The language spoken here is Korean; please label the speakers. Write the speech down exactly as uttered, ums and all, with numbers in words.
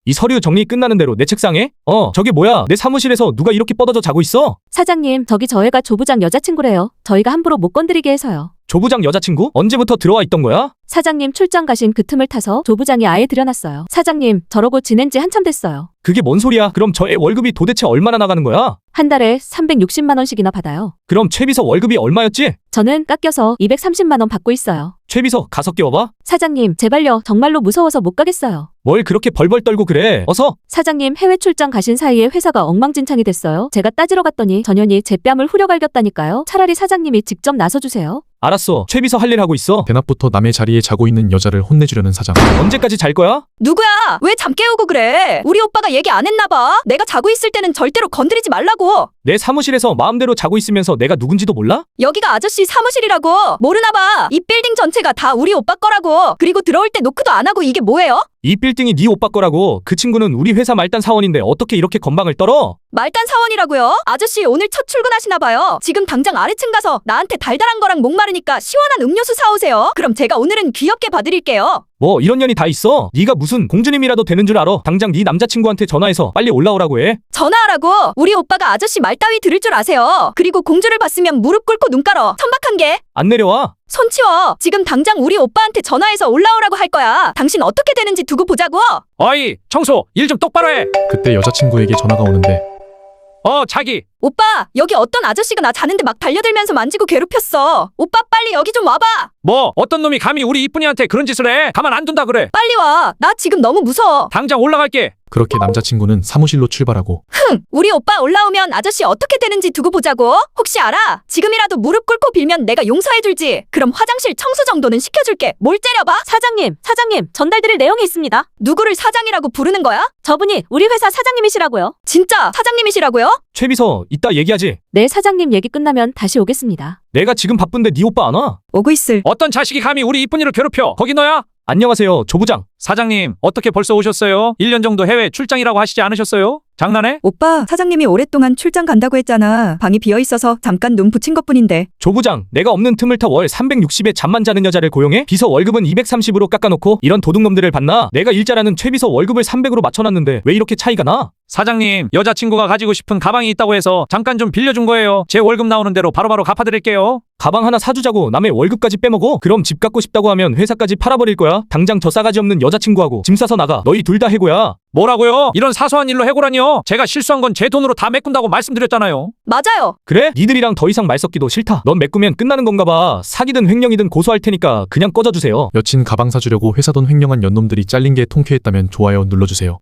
Speaker 1: 이 서류 정리 끝나는 대로 내 책상에? 어, 저게 뭐야? 내 사무실에서 누가 이렇게 뻗어져 자고 있어?
Speaker 2: 사장님, 저기 저 애가 조 부장 여자친구래요. 저희가 함부로 못 건드리게 해서요.
Speaker 1: 조 부장 여자친구? 언제부터 들어와 있던 거야?
Speaker 2: 사장님 출장 가신 그 틈을 타서 조 부장이 아예 들여놨어요. 사장님, 저러고 지낸 지 한참 됐어요.
Speaker 1: 그게 뭔 소리야? 그럼 저 애 월급이 도대체 얼마나 나가는 거야?
Speaker 2: 한 달에 삼백육십만 원씩이나 받아요.
Speaker 1: 그럼 최비서 월급이 얼마였지?
Speaker 2: 저는 깎여서 이백삼십만 원 받고 있어요.
Speaker 1: 최비서 가서 끼워봐.
Speaker 2: 사장님, 제발요. 정말로 무서워서 못 가겠어요.
Speaker 1: 뭘 그렇게 벌벌 떨고 그래? 어서.
Speaker 2: 사장님, 해외 출장 가신 사이에 회사가 엉망진창이 됐어요. 제가 따지러 갔더니 전현이 제 뺨을 후려갈겼다니까요. 차라리 사장님이 직접 나서주세요.
Speaker 1: 알았어. 최비서 할 일 하고 있어.
Speaker 3: 대낮부터 남의 자리에 자고 있는 여자를 혼내주려는 사장.
Speaker 1: 언제까지 잘 거야?
Speaker 4: 누구야? 왜 잠 깨우고 그래? 우리 오빠가 얘기 안 했나 봐. 내가 자고 있을 때는 절대로 건드리지 말라고.
Speaker 1: 내 사무실에서 마음대로 자고 있으면서 내가 누군지도 몰라?
Speaker 4: 여기가 아저씨 사무실이라고. 모르나 봐. 이 빌딩 전체가 다 우리 오빠 거라고. 그리고 들어올 때 노크도 안 하고 이게 뭐예요?
Speaker 1: 이 빌딩이 네 오빠 거라고. 그 친구는 우리 회사 말단 사원인데 어떻게 이렇게 건방을 떨어?
Speaker 4: 말단 사원이라고요? 아저씨 오늘 첫 출근하시나 봐요. 지금 당장 아래층 가서 나한테 달달한 거랑 목마르니까 시원한 음료수 사오세요. 그럼 제가 오늘은 귀엽게 봐드릴게요.
Speaker 1: 뭐 이런 년이 다 있어? 네가 무슨 공주님이라도 되는 줄 알아? 당장 네 남자친구한테 전화해서 빨리 올라오라고 해.
Speaker 4: 전화하라고? 우리 오빠가 아저씨 말 따위 들을 줄 아세요? 그리고 공주를 봤으면 무릎 꿇고 눈 깔어. 천박한 게.
Speaker 1: 안 내려와.
Speaker 4: 손 치워. 지금 당장 우리 오빠한테 전화해서 올라오라고 할 거야. 당신 어떻게 되는지 두고 보자고.
Speaker 5: 어이, 청소, 일 좀 똑바로 해.
Speaker 3: 그때 여자친구에게 전화가 오는데
Speaker 5: 어, 자기.
Speaker 4: 오빠, 여기 어떤 아저씨가 나 자는데 막 달려들면서 만지고 괴롭혔어. 오빠 빨리 여기 좀 와봐.
Speaker 5: 뭐 어떤 놈이 감히 우리 이쁜이한테 그런 짓을 해? 가만 안 둔다 그래.
Speaker 4: 빨리 와. 나 지금 너무 무서워.
Speaker 5: 당장 올라갈게.
Speaker 3: 그렇게 남자친구는 사무실로 출발하고
Speaker 4: 흥, 우리 오빠 올라오면 아저씨 어떻게 되는지 두고 보자고. 혹시 알아? 지금이라도 무릎 꿇고 빌면 내가 용서해줄지. 그럼 화장실 청소 정도는 시켜줄게. 뭘 째려봐?
Speaker 2: 사장님, 사장님, 전달드릴 내용이 있습니다.
Speaker 4: 누구를 사장이라고 부르는 거야?
Speaker 2: 저분이 우리 회사 사장님이시라고요.
Speaker 4: 진짜 사장님이시라고요?
Speaker 1: 최비서 이따 얘기하지.
Speaker 2: 네, 사장님 얘기 끝나면 다시 오겠습니다.
Speaker 1: 내가 지금 바쁜데 네 오빠 안 와?
Speaker 4: 오고 있을.
Speaker 5: 어떤 자식이 감히 우리 이쁜이를 괴롭혀? 거기 너야?
Speaker 1: 안녕하세요, 조 부장.
Speaker 5: 사장님, 어떻게 벌써 오셨어요? 일 년 정도 해외 출장이라고 하시지 않으셨어요? 장난해?
Speaker 6: 오빠, 사장님이 오랫동안 출장 간다고 했잖아. 방이 비어있어서 잠깐 눈 붙인 것뿐인데.
Speaker 1: 조 부장, 내가 없는 틈을 타 월 삼백육십에 잠만 자는 여자를 고용해? 비서 월급은 이백삼십으로 깎아놓고 이런 도둑놈들을 봤나? 내가 일자라는 최비서 월급을 삼백으로 맞춰놨는데 왜 이렇게 차이가 나?
Speaker 5: 사장님, 여자친구가 가지고 싶은 가방이 있다고 해서 잠깐 좀 빌려준 거예요. 제 월급 나오는 대로 바로바로 갚아드릴게요.
Speaker 1: 가방 하나 사주자고 남의 월급까지 빼먹어? 그럼 집 갖고 싶다고 하면 회사까지 팔아버릴 거야. 당장 저 싸가지 없는 여자친구하고 짐 싸서 나가. 너희 둘 다 해고야.
Speaker 5: 뭐라고요? 이런 사소한 일로 해고라니요? 제가 실수한 건 제 돈으로 다 메꾼다고 말씀드렸잖아요.
Speaker 4: 맞아요.
Speaker 1: 그래? 니들이랑 더 이상 말 섞기도 싫다. 넌 메꾸면 끝나는 건가 봐. 사기든 횡령이든 고소할 테니까 그냥 꺼져주세요.
Speaker 3: 여친 가방 사주려고 회사 돈 횡령한 연놈들이 잘린 게 통쾌했다면 좋아요 눌러주세요.